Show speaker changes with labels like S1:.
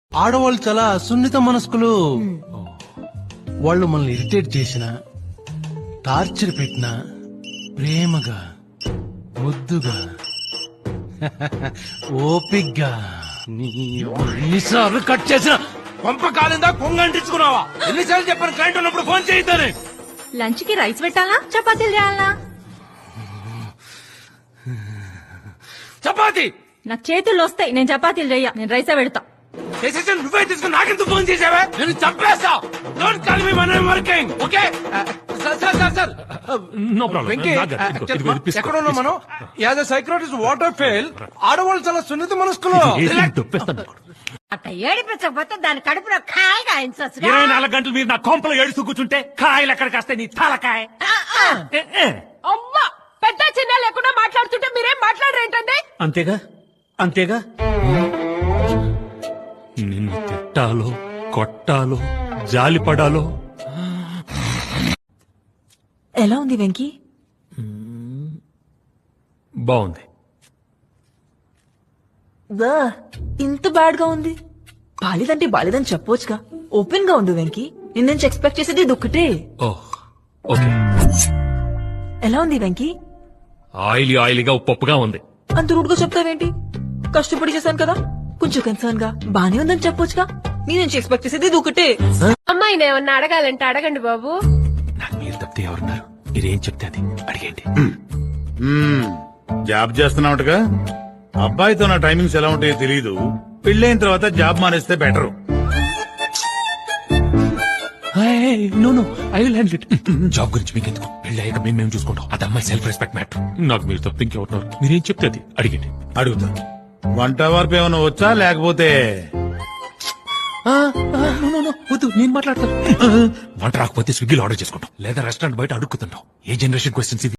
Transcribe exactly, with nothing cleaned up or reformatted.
S1: ఆడవాళ్ళు చాలా సున్నిత మనస్కులు. వాళ్ళు మనల్ని ఇరిటేట్ చేసిన, టార్చర్ పెట్టినా ప్రేమగా ముద్దుగా ఓపిగ్గా ఎన్నిసార్లు కట్ చేసిన పంప కాలిందా కొంగ అంటించుకున్నావా? ఎన్నిసార్లు చెప్పాను క్లయింట్ ఉన్నప్పుడు ఫోన్ చేయొద్దని.
S2: లంచ్ కి రైస్ పెట్టాలా చపాతీలు చేయాలా?
S1: చపాతి
S2: నాకు చేతుల్లో వస్తాయి, నేను చపాతీలు చెయ్య, నేను రైసే పెడతా.
S1: చేసేసి నువ్వే తీసుకుని నాకెందుకు ఫోన్ చేసావా? నేను చంపేస్తా. Don't call me when I'm working, okay? Sir sir sir sir
S3: no problem.
S1: Venky, ఎక్కడ ఉన్నాం మనం? As a psychiatrist water fail. ఆడవాళ్ళు చాలా సున్నిత మనస్కులు.
S4: అట్ట ఏడిపించకపోతే దాని కడుపులో కాయ కాయించవచ్చు.
S3: ఇరవై నాలుగు గంటలు మీరు నా కొంపలో ఏడుస్తూ కూర్చుంటే కాయలు ఎక్కడికి వస్తాయి? నీ తలకాయ. ఏ, ఏ.
S4: అమ్మా పెద్ద చిన్న లేకుండా మాట్లాడుతుంటే మీరేం మాట్లాడరేంటండి?
S3: అంతేగా అంతేగా నిన్ను తిట్టాలో కొట్టాలో జాలి పడాలో.
S2: ఎలా ఉంది వెంకీ?
S3: బాగుంది.
S2: దా, ఇంత బ్యాడ్ గా ఉంది. బాలేదంటే బాలేదని చెప్పొచ్చుగా. ఓపెన్ గా ఉండు వెంకీ. నేను నుంచి ఎక్స్పెక్ట్ చేసేది ఇది ఒక్కటే.
S3: Oh okay.
S2: ఎలా ఉంది వెంకీ?
S3: ఆయిలీ ఆయిలీగా ఉప్పుగా ఉంది.
S2: అంత రూడ్ గా చెప్తావేంటి? కష్టపడి చేశాను కదా, కొంచెం కన్సర్న్ గా బానే ఉందని చెప్పొచ్చుగా. నీ నుంచి ఎక్స్పెక్ట్ చేసేది ఇది ఒకటే.
S4: అమ్మాయిని ఏమన్నా అడగాలంటే అడగండి బాబు.
S3: నాకు మీరు తప్పితే ఎవరున్నారు? మీరేం చెప్తే అది అడిగేంటి.
S5: జాబ్ చేస్తున్నావుగా. అబ్బాయితో నా టైమింగ్స్ ఎలా ఉంటాయో తెలీదు. పెళ్ళైన తర్వాత జాబ్ మానేస్తే బెటర్.
S3: జాబ్ గురించి మీకు ఎందుకు? పెళ్లి అయ్యాక మేము మేము చూసుకుంటాం. అది అమ్మాయి సెల్ఫ్ రెస్పెక్ట్ మ్యాటర్. నాకు మీరు తప్పితే ఇంకెవరున్నారు? మీరేం చెప్తే అది అడిగండి.
S5: అడుగుతా. వంట వరకు ఏమైనా వచ్చా లేకపోతే
S3: వద్దు, నేను మాట్లాడతాను. వంట రాకపోతే స్విగ్గీలో ఆర్డర్ చేసుకుంటాం, లేదా రెస్టారెంట్ బయట అడుక్కుతుంటాం. ఏ జనరేషన్ క్వశ్చన్స్ ఇవి?